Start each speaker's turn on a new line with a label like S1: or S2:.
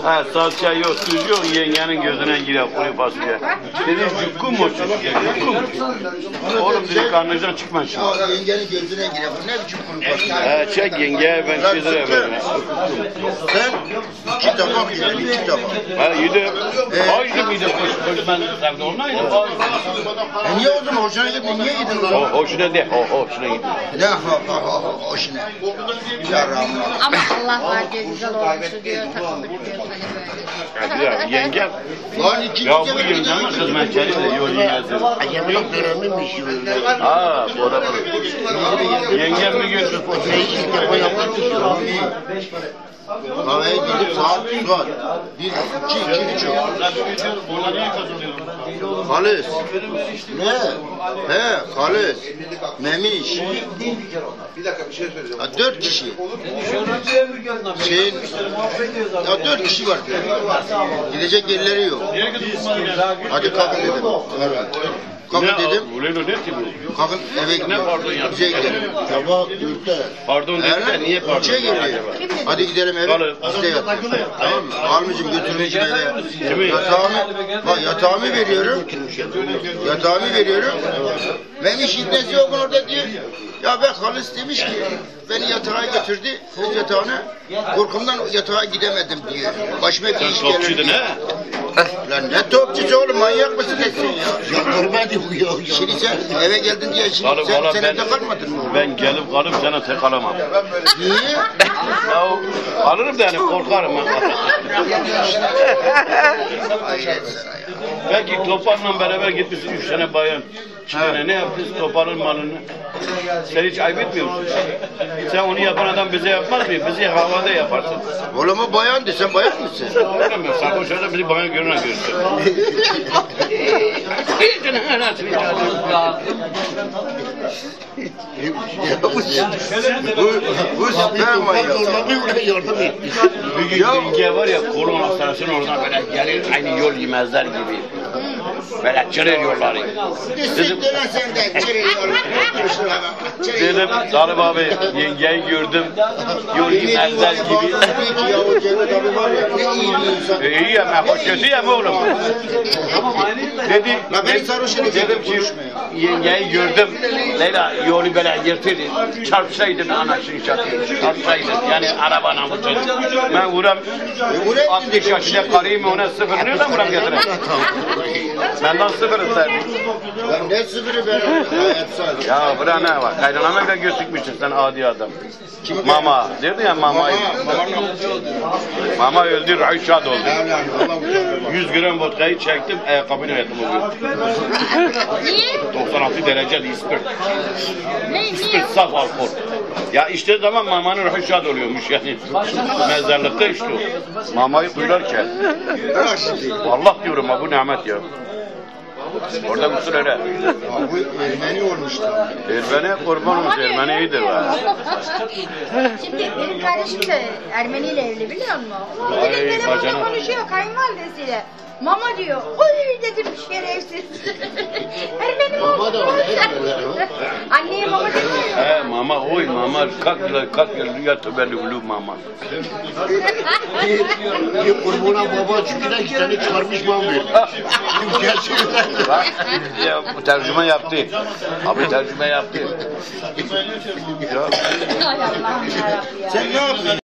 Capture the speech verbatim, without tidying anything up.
S1: Ha salça yok, tuz yok, yengenin gözüne girer kuru fasulye. Dedi cukku mu çocuk ya, cukku mu? Oğlum dedi karnınızdan çıkma şimdi.
S2: Ya yengenin gözüne girer, bu ne biçim kuru fasulye?
S1: Ha çek yengeye ben iki lira veririm.
S2: Sen iki tabak yedin, iki tabak.
S1: Ha yedim. Ağaçlı mıydı koş, koş ben sevdi onaydı.
S2: E niye o zaman hoşuna gitmedi, niye yedin
S1: O
S2: lan?
S1: hoşuna de, o hoşuna gidiyor.
S2: Ne ha ha ha hoşuna? Ya Rahman.
S3: Ama Allah var diyor, güzel olmuştu diyor, takıldık diyor hani böyle.
S1: Ya yengem.
S2: Lan ikinci
S1: Ya bu
S2: sefer
S1: yengemin hizmetçeri de yol yemezdi.
S4: Aceminin dönemiymiş böyle.
S1: Ha, doğru. Yengem mi götür?
S4: Ne işte o yapmak istiyor.
S2: Kahveye gidip saat saat. Bir, iki, iki buçuk. Halis. Ne? He, halis. Memiş.
S5: Bir dakika bir şey söyleyeceğim.
S2: Ha, dört kişi. Şeyin, ya dört kişi var. Gidecek yerleri yok. Hadi kalkın dedim. Kalkın dedim.
S1: Ulan o ne ki bu?
S2: Kalkın eve gidiyor.
S1: pardon ya?
S2: Bize gidelim.
S4: Sabah dörtte.
S1: Pardon dedi de niye pardon?
S2: Üçe geliyor. Hadi gidelim eve.
S1: Kalın.
S2: Biz de yatalım. Tamam mı? Almışım götürmüşüm eve.
S1: Kimi?
S2: Yatağımı, bak yatağımı veriyorum. Yatağımı veriyorum. Memiş İbnesi yok orada diyor. Ya ben halis demiş ki beni yatağa götürdü. Öz yatağına. Korkumdan yatağa gidemedim diyor. Başıma bir iş
S1: Topçuydun
S2: gelir diyor.
S1: ha?
S2: Lan ne topçusu oğlum, manyak mısın nesin ya?
S4: Ya görmedi bu ya.
S2: Şimdi sen eve geldin diye şimdi
S1: Valla
S2: sen,
S1: valla
S2: sen
S1: ben,
S2: evde kalmadın mı?
S1: ben gelip kalıp sana tek alamam.
S2: Niye?
S1: Ya alırım da yani korkarım ben.
S2: Hayret sana ya.
S1: Belki Topar'la beraber gitmişsin üç tane bayan. İki tane ne yaptınız Topar'ın malını? Sen hiç ayıp etmiyor musun? Sen onu yapan adam bize yapmaz mı? Bizi havada yaparsın.
S2: Oğlum o bayandı, sen bayan mısın?
S1: Öyle mi? Sen boşuna bizi bayan görünen görürsün.
S2: Bu, bu süper manyak.
S4: Zorlanıyor yardım etti.
S1: Bir gün yenge var ya kolon hastanesinin oradan böyle gelir aynı yol yemezler gibi. Böyle çırır yolları. Dedim,
S2: Siktir lan sen de.
S1: dedim Talip abi yengeyi gördüm. Yol yemezler gibi.
S2: Ya o Cevdet abi var ya, ne iyi bir insan.
S1: E, iyi ama hoş kötü ya oğlum. Dedi,
S2: La beni sarhoş edecek,
S1: dedim ki
S2: konuşma ya.
S1: yengeyi gördüm. Leyla yolu böyle yırtırdı. Çarpsaydın anasını çatıyor. Çarpsaydın yani arabana mı çocuk. Ben vuram altmış yaşında karıyım ona sıfır nereden vuram getireyim? Benden sıfır isterdim.
S2: Lan ne sıfırı ben hayat sadece.
S1: Ya bura ne var? Kaynanama bile gözükmüşsün sen adi adam. Mama. Dedin ya mamayı. Mama öldü, Rayşad oldu. yüz gram vodkayı çektim, ayakkabını yaktım o gün.
S3: Niye?
S1: doksan altı derece ispir.
S3: Ne,
S1: İspir
S3: niye?
S1: saf alkol. Ya işte zaman mamanın Rayşad oluyormuş yani. Mezarlıkta işte o. Mamayı kuyularken.
S2: Bırak şimdi.
S1: Vallahi diyorum ha bu nimet ya. Orada usul öyle.
S2: Ya bu Ermeni olmuştu.
S1: Ermeni kurban olmuş, Ermeni iyidir be.
S3: Şimdi benim kardeşim de Ermeni ile evli biliyor musun?
S1: Vay,
S3: Direkt telefonda
S1: bacana.
S3: konuşuyor kayınvalidesiyle. Mama diyor, oy dedim şerefsiz. Ermeni mi
S4: Mama da
S3: olmuş?
S4: var, Ermeniler
S3: Anneye mama demiyor.
S1: He mama oy mama kalk yıl kalk yıl ya tebelli ulu mama.
S4: Bir kurbuna baba çünkü iki tane çıkarmış mam verdi. Gerçekten.
S1: Bak ya bu tercüme yaptı. Abi tercüme yaptı. Ya.
S3: Ay Allah'ım yarabbim ya.
S2: Sen ne yapıyorsun?